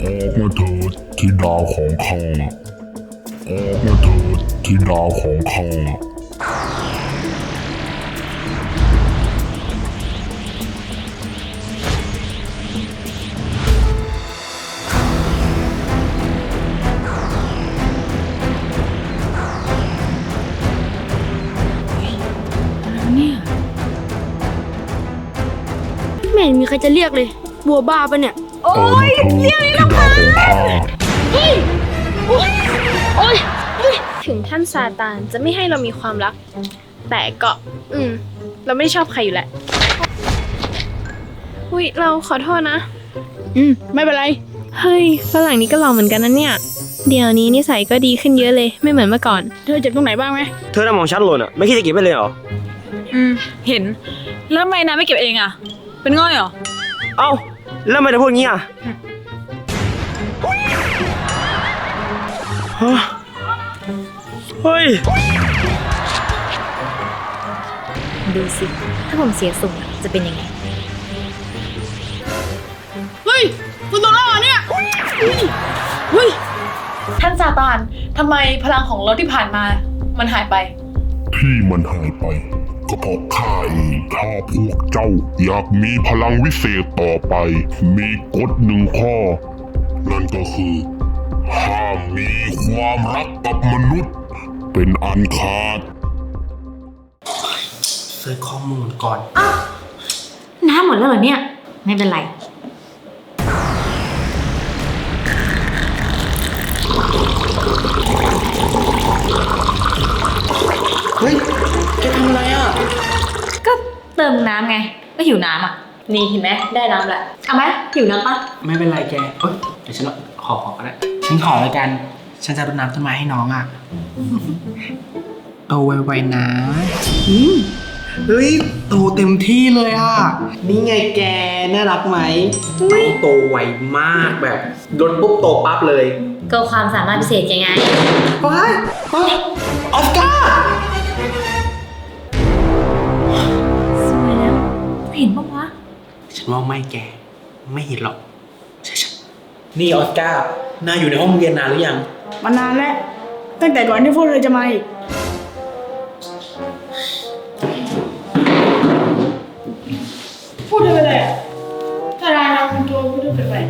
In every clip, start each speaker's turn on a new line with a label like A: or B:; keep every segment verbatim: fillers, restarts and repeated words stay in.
A: ออกมาเถิดธิดาของข้าออกมาเถิดธิดาของข้า
B: เนี่ยไม่เห็นมีใครจะเรียกเลยบัวบ้าปะเนี่ยโอ้ยเรียกเลยนะค่ะเฮ้ยโอ้ยโอ้ยถึงท่านซาตานจะไม่ให้เรามีความรักแต่ก็อืมเราไม่ได้ชอบใครอยู่แหละอุ้ยเราขอโทษนะอืมไม่เป็นไรเฮ้ยฝรั่งนี้ก็หล่อเหมือนกันนะเนี่ยเดี๋ยวนี้นิสัยก็ดีขึ้นเยอะเลยไม่เหมือนเมื่อก่อนเธอเจ็บตรงไหนบ้างไหม
C: เธอทำของฉันหล่นอ่ะไม่คิดจะเก็บไปเลยเหรอ
D: อืมเห็นแล้วทำไมนายไม่เก็บเองอ่ะเป็นง่อยเหรอ
C: เอ้าแล้วทำไมเธอพูดงี้อ่ะเฮ้ย
E: ดูสิถ้าผมเสียทรงจะเป็นยังไง
B: เฮ้ยคุณโดนแล้วเนี่ยเฮ้ย
D: ท่านซาตานทำไมพลังของรถที่ผ่านมามันหายไป
A: ที่มันหายไปก็เพราะข้าเองถ้าพวกเจ้าอยากมีพลังวิเศษต่อไปมีกฎหนึ่งข้อนั่นก็คือห้ามมีความรักกับมนุษย์เป็นอันขาด
C: เซิร์ชข้อมูลก่อน
E: อ้าวน้ำหมดแล้วเหรอเนี่ยไม่เป็นไร
C: เฮ้ยแกทำอะไรอ่ะ
E: ก็เติมน้ำไงก็หิวน้ำอ่ะนี่เห็นไหมได้น้ำละเอาไหมหิวน้ำปะ
C: ไม่เป็นไรแกเอ้ยเดี๋ยวฉันขอขอก็ได้ฉันขอแล้วกันฉันจะรดน้ำต้นไม้ให้น้องอ่ะโตไวๆนะเฮ้ยโตเต็มที่เลยอ่ะนี่ไงแกน่ารักไหมโตไวมากแบบรดปุ๊บโตปั๊บเลย
E: ก็ความสามารถพิเศษยังไง
C: ไปไปออสการ์
E: สวยแล้วเห็นปะวะ
C: ฉันว่าไม่แกไม่เห็นหรอกใช่ๆนี่ออสการ์นายอยู่ในห้องเรียนนานหรือยัง
B: มานานแล้วตั้งแต่ก่อนที่พวกเธอจะมาอีกพูดเธอไปเลยอ่ะถ้านายทำตัวพูดเธอไปไป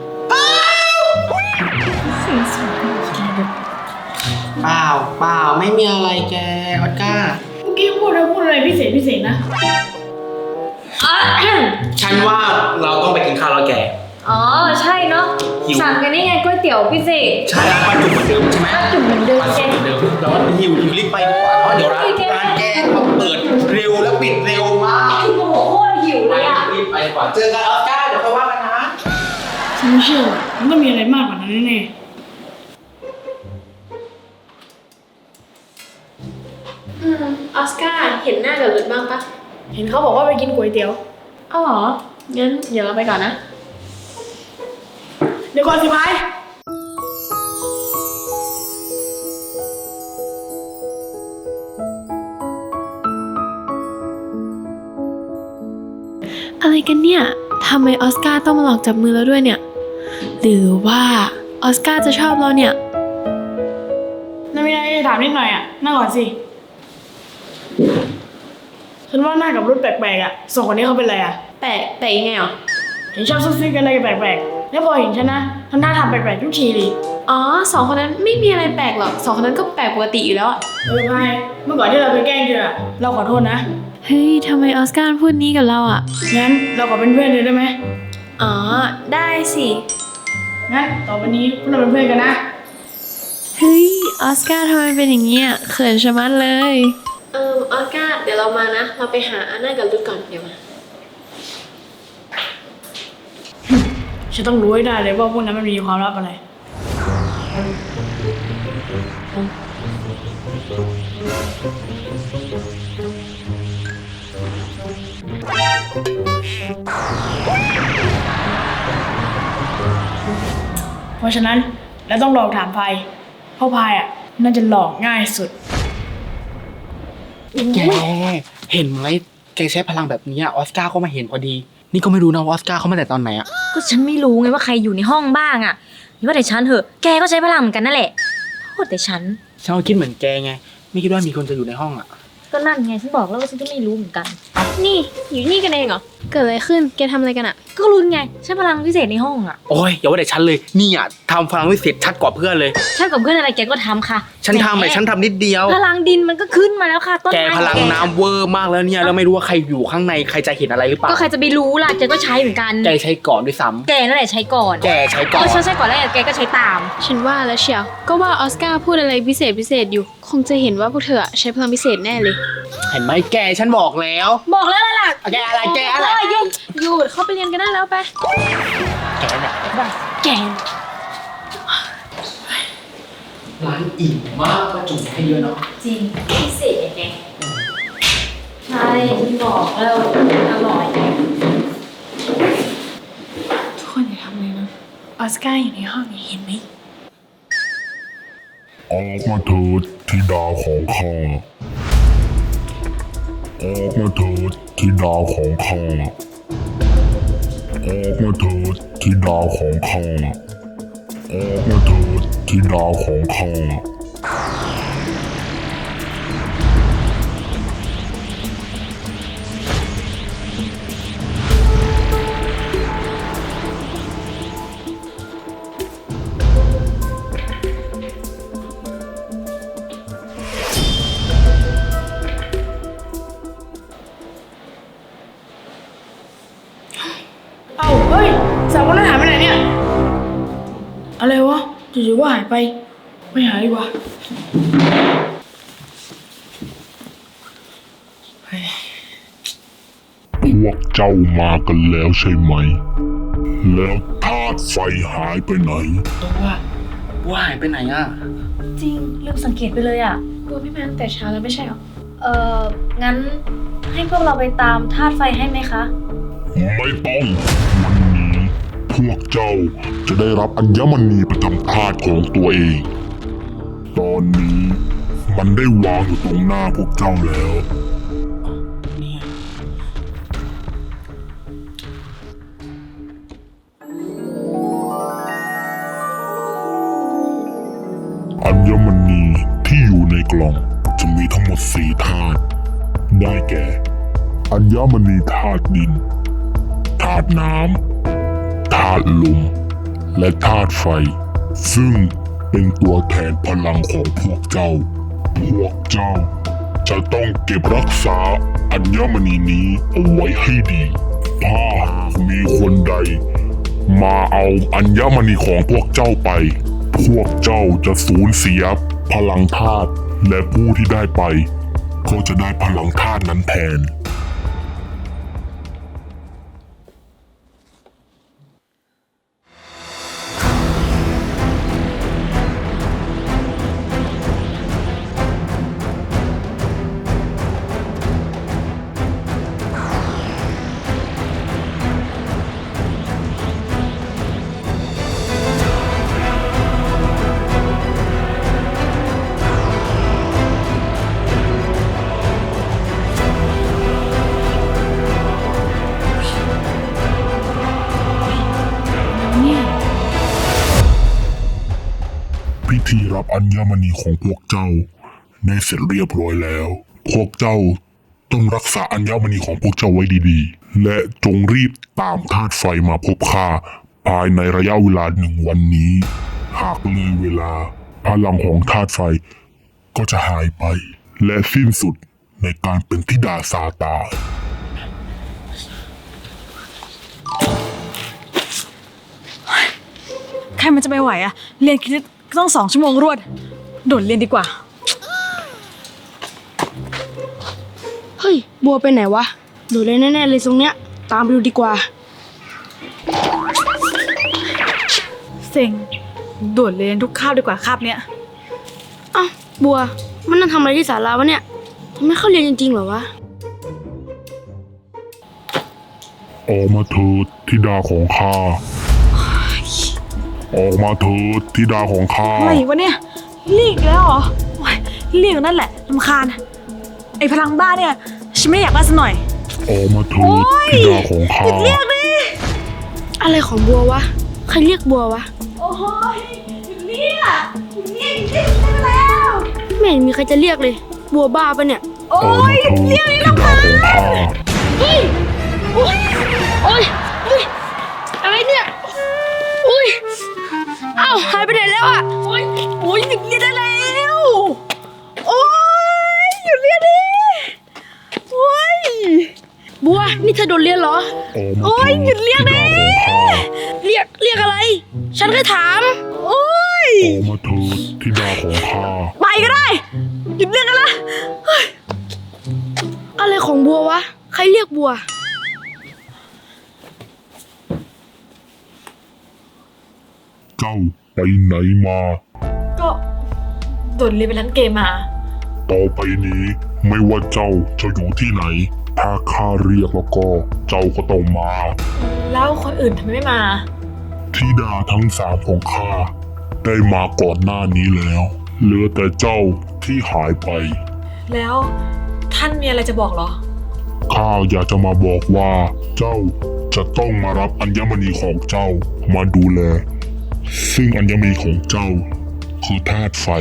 E: เสียงสูง
C: เปล่าเปล่าไม่มีอะไรแกออสการ์
B: เมื่อกี้พูดเธอพูดอะไรพิเศษพิเศษนะ
C: ฉันว่าเราต้องไปกินข้าวแล้วแก
E: อ๋อใช่เนาะสั่งกันนี่ไงก๋วยเตี๋ยวพิเศษ
C: ใช่ปลาจุ่มเหมือนเดิมใช่ไหม
E: ปลาจุ่มเหมือนเดิมแก
C: เหมือนเดิมเราหิวหิวรีบไปดีกว่าเพราะเดี๋ยวร้านร้านแกเปิดเร็วแล้วปิดเร็วมาก
E: โอ้โหโคตรหิวเลยอ่ะ
C: รีบไปดีกว่าเจอกันออสการ์เดี๋ยวค่อยว่ากันนะ
B: ฉันไม่เชื่อมันต้องมีอะไรมากกว่านั้นแน่
E: อืมออสการ์เห็นหน้ากับรุดบ้างปะ
B: เห็นเขาบอกว่าไปกินก๋วยเตี๋ยว
E: อ๋อเหรองั้นเดี๋ยวเราไปก่อนนะ
B: เดี๋ยวก่อนสิพาย
F: อะไรกันเนี่ยทำไมออสการ์ต้องมาหลอกจับมือเราด้วยเนี่ยหรือว่าออสการ์จะชอบเราเนี่ย
B: นามีอะไรจะถามนิดหน่อยอ่ะนั่งก่อนสิฉันว่าหน้ากับรุ่นแปลกๆอ่ะสองคนนี้เขาเป็นอะไรอ่ะ
E: แปลกแปลกยังไงอ่ะ
B: เห็นชอบซุกซิกกันอะไรแปลกๆแล้วพอเห็นฉันนะทำหน้าทำแปลกๆทุกทีเลย
F: อ๋อสองคนนั้นไม่มีอะไรแปลกหรอกสองคนนั้นก็แปลกปกติอยู่แล้ว
B: เออพายเมื่อก่อนที่เราไปแกล้งเธอเราขอโทษนะ
F: เฮ้ยทำไมออสการ์พูดนี้กับเราอ่ะ
B: งั้นเราขอเป็นเพื่อนเลยได้ไหม
F: อ๋อได้สิ
B: งั้นต่อไปนี้พวกเราเป็นเพื่อนกันนะ
F: เฮ้ยออสการ์ทำไมเป็นอย่างเงี้ยเขินชะมัดเลย
E: เออออสการ์เดี๋ยวเรามานะเราไปหาอาน่ากับรุดก่อนเดี๋ยวมา
B: ฉันต้องรู้ให้ได้เลยว่าพวกนั้นมันมีความลับอะไรเพราะฉะนั้นเราต้องลองถามพายเพราะพายอ่ะน่าจะหลอกง่ายสุด
C: แกเห็นไหมแกใช้พลังแบบนี้ออสการ์ก็มาเห็นพอดีนี่ก็ไม่รู้นะว่าออสการ์เขามาแต่ตอนไหนอะ
E: ก็ฉันไม่รู้ไงว่าใครอยู่ในห้องบ้างอะนี่ว่าแต่ฉันเถอะแกก็ใช้พลังเหมือนกันนั่นแหละโทษแต่ฉัน
C: ฉันก็คิดเหมือนแกไงไม่คิดว่ามีคนจะอยู่ในห้องอะ
E: ก็นั่นไงฉันบอกแล้วว่าฉันก็ไม่รู้เหมือนกัน
B: นี่อยู่นี่กันเองเหรอ เกิดอะไรขึ้น แกทำอะไรกันอะ
E: ก็รู้ไงใช้พลังพิเศษในห้องอะ
C: โอ้ยอย่าว่าแต่ฉันเลยนี่อะทำพลังวิเศษชัดกว่าเพื่อนเลย
E: ฉันกับเพื่อนอะไรแกก็ทำค่ะ
C: ฉันทำแต่ฉันทำนิดเดียว
E: พลังดินมันก็ขึ้นมาแล้วค่ะต้น
C: แก
E: ไม้
C: พลังน้ำเวอร์มากแล้วเนี่ยแล้วไม่รู้ว่าใครอยู่ข้างในใครจะเห็นอะไรหรือเปล่า
E: ก็ใครจะไปรู้ล่ะแกก็ใช้เหมือนกัน
C: แกใช้ก่อนด้วยซ้
E: แกนั่นแหละใช้ก่อน
C: ำแกใช้ก่
E: เอ
C: อน
E: อฉันใช้ก่อนแล้วแกก็ใช้ตาม
B: ฉันว่าแล้วเชียว ก็ว่าออสการ์พูดอะไรพิเศษพิเศษอยู่ คงจะเห็นว่าพวกเธออะใช้พลังพิเศษแน่เลย
C: เห็นไหมแกฉันบอกแล้ว
E: บอกแล้วล่ะ
C: แกอะไรแกอะไร
E: เยุ่ง
B: หยุดเข้าไปเรียนกันได้แล้วไป
C: แกเนี่ย
B: แก
C: ร้านอิ่มมากมาจุ่มให้เยอะเนาะ
E: จริงพิเศษไงใช่ฉันบอกแล้วอร่อย
D: ทุกคนอย่าทำเลยนะ ออสการ์อยู่ในห้องเห็นไหม
A: ออกมาเถิดธิดาของข้าออกมาเถิดธิดาของข้าออกมาเถิดธิดาของข้าออกมาเถิดธิดาของข้า
D: เอ้าเฮ้ยสาวคนนั้นหายไปไหนเนี่ย อะไรวะจู่ๆว่าหายไป ไม่หายดีกว่า
A: พวกเจ้ามากันแล้วใช่ไหม แล้วธาตุไฟหายไปไหน
C: ตัวว่าว่าหายไปไหนอ่ะ
E: จริงลืมสังเกตไปเลยอ่ะ
B: บัวไม่มาตั้งแต่เช้าแล้วไม่ใช่เหรอ
E: เอองั้นให้พวกเราไปตามธาตุไฟให้ไหมคะ
A: ไม่ต้อง วันนี้พวกเจ้าจะได้รับอัญมณีประจำธาตุของตัวเอง ตอนนี้มันได้วางอยู่ตรงหน้าพวกเจ้าแล้ว
C: นี่ไง
A: อัญมณีที่อยู่ในกล่องจะมีทั้งหมดสี่ธาตุ ได้แก่ อัญมณีธาตุดิน ธาตุน้ำ ธาตุลม และธาตุไฟ ซึ่งเป็นตัวแทนพลังของพวกเจ้า พวกเจ้าจะต้องเก็บรักษาอัญมณีนี้เอาไว้ให้ดี ถ้าหากมีคนใด มาเอาอัญมณีของพวกเจ้าไป พวกเจ้าจะสูญเสียพลังธาตุและผู้ที่ได้ไป ก็จะได้พลังธาตุนั้นแทน พิธีรับอัญมณีของพวกเจ้าได้เสร็จเรียบร้อยแล้ว พวกเจ้าต้องรักษาอัญมณีของพวกเจ้าไว้ดีๆ และจงรีบตามธาตุไฟมาพบข้าภายในระยะเวลาหนึ่งวันนี้ หากเลยเวลาพลังของธาตุไฟก็จะหายไป และสิ้นสุดในการเป็นธิดาซาตาน
D: ใครมันจะไปไหวอะเรียนคณิตต้องสองชั่วโมงรวด โดดเรียนดีกว่า
B: เฮ้ย บัวไปไหนวะดูเลยแน่ๆเลยตรงเนี้ย ตามไปดูดีกว่า
D: เซ็ง โดดเรียนทุกคาบดีกว่าคาบเนี้ย
B: อ้าวบัว มันนั่งทำอะไรที่ศาลาวะเนี่ยมันไม่เข้าเรียนจริงๆเหรอวะ
A: ออกมาเถิดธิดาของข้า ออกมาเถิดธิดาของข้า
D: อะไรวะเนี่ยเรียกอีกแล้วเหรอโอ๊ยเรียกนั่นแหละลำคาญ ไอ้พลังบ้าเนี่ย ฉันไม่อยากได้สักหน่อย
A: ออกมาเถิดธิดาของข้า
B: อะไรของบัววะ ใครเรียกบัววะ
E: โอ้ยหยุดเรียกหยุดเรียกหยุดเรียกได้แล้ว
B: ไม่เห็นมีใครจะเรียกเลย บัวบ้าปะเนี่ย
E: โอ้
A: ออกมาย เถิดธิดาของข้า
B: เฮ้ย โอ้ย โอ้ยเฮ้ย อะไรเนี่ยอุ้ยเอ้าหายไปไหนแล้วอ่ะโอ้ยโอ้ยหยุดเรียนได้แล้ว โอ้ยหยุดเรียนดิโอ้ยบัว นี่เธอโดนเรียนเหรอ
A: ออกมาเถิด
B: โอ้ยหยุดเรียก
A: ธิ
B: ดิ
A: ดาของข้า
B: เรียก เรียกอะไร ฉันแค่ถาม โอ้ย
A: ออกมาเถิดธิดาของข้า
B: ไปก็ได้ หยุดเรียกกันละเฮ้ยอะไรของบัววะ ใครเรียกบัว
A: เจ้าไปไหนมา
E: ก็โดนเรียนไปร้านเกมมา
A: ต่อไปนี้ไม่ว่าเจ้าจะอยู่ที่ไหน ถ้าข้าเรียกแล้วก็เจ้าก็ต้องมา
E: แล้วคนอื่นทำไมไม่มา
A: ธิดาทั้งสามของข้าได้มาก่อนหน้านี้แล้ว เหลือแต่เจ้าที่หายไป
E: แล้วท่านมีอะไรจะบอกเหรอ
A: ข้าอยากจะมาบอกว่า เจ้าจะต้องมารับอัญมณีของเจ้ามาดูแล ซึ่งอัญมณีของเจ้าคือธาตุไฟ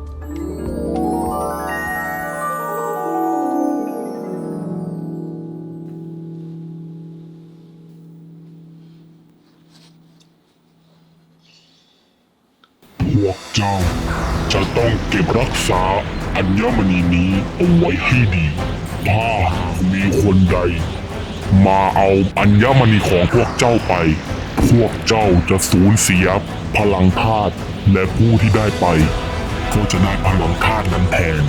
A: พวกเจ้าจะต้องเก็บรักษาอัญมณีนี้เอาไว้ให้ดี ถ้ามีคนใด มาเอาอัญมณีของพวกเจ้าไป พวกเจ้าจะสูญเสียพลังธาตุและผู้ที่ได้ไป ก็จะได้พลังธาตุนั้นแทน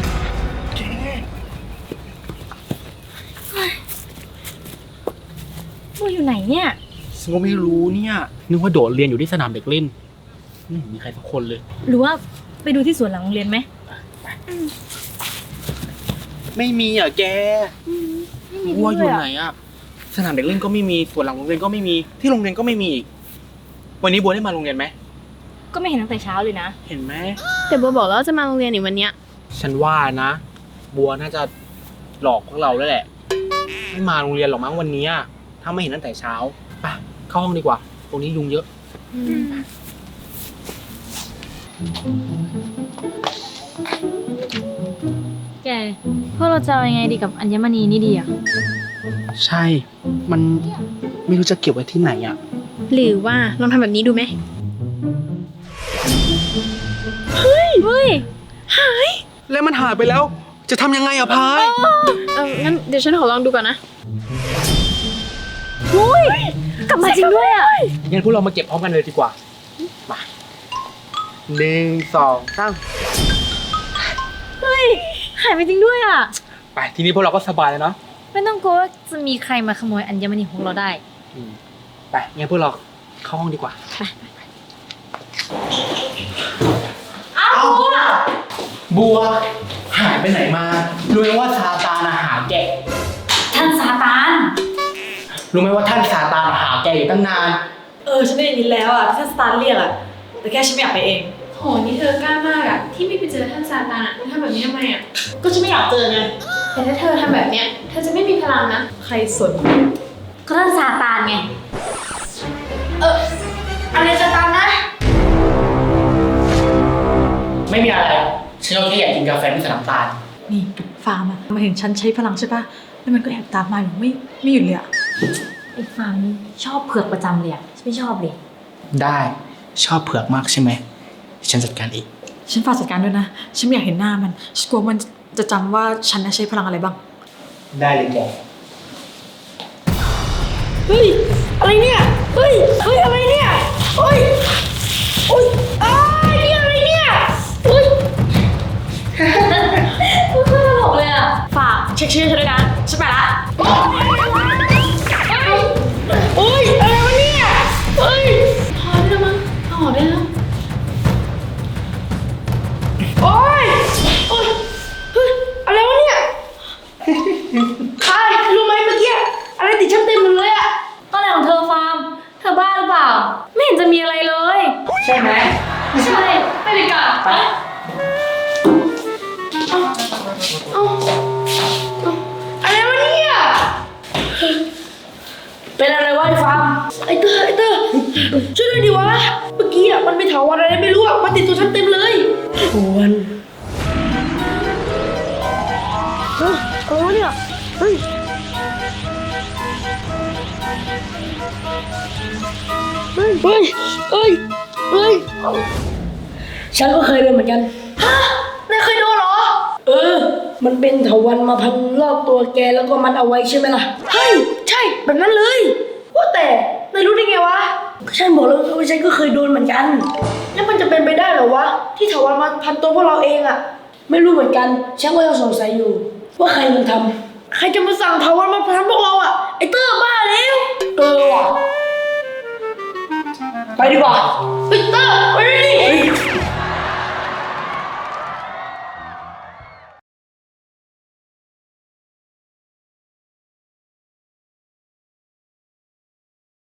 E: บัวอยู่ไหนเนี่ย
C: ฉันก็ไม่รู้เนี่ย นึกว่าโดดเรียนอยู่ที่สนามเด็กเล่นไม่เห็นมีใครสักคนเลย
E: หรือว่าไปดูที่สวนหลังโรงเรียนไหม
C: ไม่มีอ่ะแกวัวอยู่ไหนอ่ะ สนามเด็กเล่นก็ไม่มีสวนหลังโรงเรียนก็ไม่มี ที่โรงเรียนก็ไม่มีอีก วันนี้บัวได้มาโรงเรียนไหม
E: ก็ไม่เห็นตั้งแต่เช้าเลยนะ
C: เห็นไหม
F: แต่บัวบอกแล้วว่าจะมาโรงเรียนอีกวันเนี้ย
C: ฉันว่านะ บัวน่าจะหลอกพวกเราแล้วแหละ ไม่มาโรงเรียนหรอกมั้งวันนี้อะถ้าไม่เห็นตั้งแต่เช้าไปเข้าห้องดีกว่า ตรงนี้ยุงเยอะ
E: แกพวกเราจะเอายังไงดีกับอัญมณีนี่ดีอะ
C: ใช่ มันไม่รู้จะเก็บไว้ที่ไหนอ่ะ
F: หรือว่าลองทำแบบนี้ดูไหม
E: เฮ้ย
C: แล้วมันหายไปแล้ว จะทำยังไงอะพาย
F: เอองั้นเดี๋ยวฉันขอลองดูก่อนนะ
E: กลับมาจริงด้วยอะ
C: งั้นพวกเรามาเก็บพร้อมกันเลยดีกว่า มาหนึ่งสองสาม
E: เฮ้ย หายไปจริงด้วยอะ
C: ไปทีนี้พวกเราก็สบายแล้วเนาะ
E: ไม่ต้องกลัวว่าจะมีใครมาขโมยอัญมณีของเราได้
C: อืมไปงั้นพวกเราเข้าห้องดีกว่า
E: อ้าวบัว
C: บัว หายไปไหนมา รู้ไหมว่าซาตานอาหาแก
E: ท่านซาตาน
C: รู้ไหมว่าท่านซาตานหาแกอยู่ตั้งนาน
G: เออฉันได้ยินแล้วอ่ะที่ท่านสตาร์เรียกอ่ะแต่แค่ฉันไม่อยากไปเอง
F: โห นี่เธอกล้ามากอะที่ไม่ไปเจอท่านซาตานอะทำแบบนี้ทำไมอะ
G: ก็ฉันไม่อยากเจอไง
F: แต่ถ้าเธอทำแบบเนี้ย เธอจะไม่มีพลังนะ
G: ใครสน
E: ก็ท่านซาตานไง
B: อะไรจะตามนะ
C: ไม่มีอะไรฉันก็แค่อยากกินกาแฟที่สนามตาล
G: นี่ฟาร์มอ่ะมาเห็นฉันใช้พลังใช่ปะแล้วมันก็แอบตามมาอยู่ไม่ไม่หยุดเลยอ่ะ
E: ไอ้ฟาร์มนี่ชอบเผือกประจำเลยอะฉันไม่ชอบเลย
C: ได้ชอบเผือกมากใช่ไหมฉันจัดการเอง
G: ฉันฝากจัดการด้วยนะฉันไม่อยากเห็นหน้ามันฉันกลัวมันจะจำว่าฉันน่ะใช้พลังอะไรบ้าง
C: ได้เลยแก
B: เฮ้ย อะไรเนี่ย เฮ้ย เฮ้ย อะไรเนี่ย เฮ้ยโอ้ยอ้ายนี่อะไรเนี่ยเฮ้ย
E: พูดตลกเลยอะ
G: ฝากเช็คชื่อฉันด้วยนะฉันไปละ
B: โอ้ย อะไรวะเนี่ย เฮ้ย
F: พอได้แล้วมั้งเอาออกได้แล้ว
B: โอ้ย โอ้ย เฮ้ย อะไรวะเนี่ยใครรู้ไหมเมื่อกี้ อะไรติดฉันเต็มหมดเลยอะ
E: ก็อะไรของเธอฟาร์ม เธอบ้าหรือเปล่า ไม่เห็นจะมีอะไรเลย
C: ใช่ไหม
E: ใช่ ไปดีกว่า
C: ไป
B: อะไรวะเนี่ย
D: เป็นอะไรวะไอ้ฟาร์มไอ้เตอร์ไอ้เตอร์ช่วยด้วยดิวะเมื่อกี้อ่ะมันไปเถาวันอะไรไม่รู้อ่ะมาติดตัวฉันเต็มเลยชวนเฮ้ยอะไรวะเนี่ยเฮ้ยเฮ้ยเฮ้ยเฮ้ยเฮ้ยฉันก็เคยโดนเหมือนกันฮะนายเคยโดนเหรอเออมันเป็นเถาวัลย์มาพันรอบตัวแกแล้วก็มัดเอาไว้ใช่ไหมล่ะเฮ้ยใช่แบบนั้นเลยว่าแต่นายรู้ได้ไงวะฉันบอกแล้วว่าฉันก็เคยโดนเหมือนกันแล้วมันจะเป็นไปได้เหรอวะที่เถาวัลย์มาพันตัวพวกเราเองอะไม่รู้เหมือนกันฉันก็ยังสงสัยอยู่ว่าใครมันทำใครจะมาสั่งเถาวัลย์มาพันพวกเราอะไอเตอร์บ้าแล้วเออว่ะไปดีกว่าไอเตอร์ไปดิ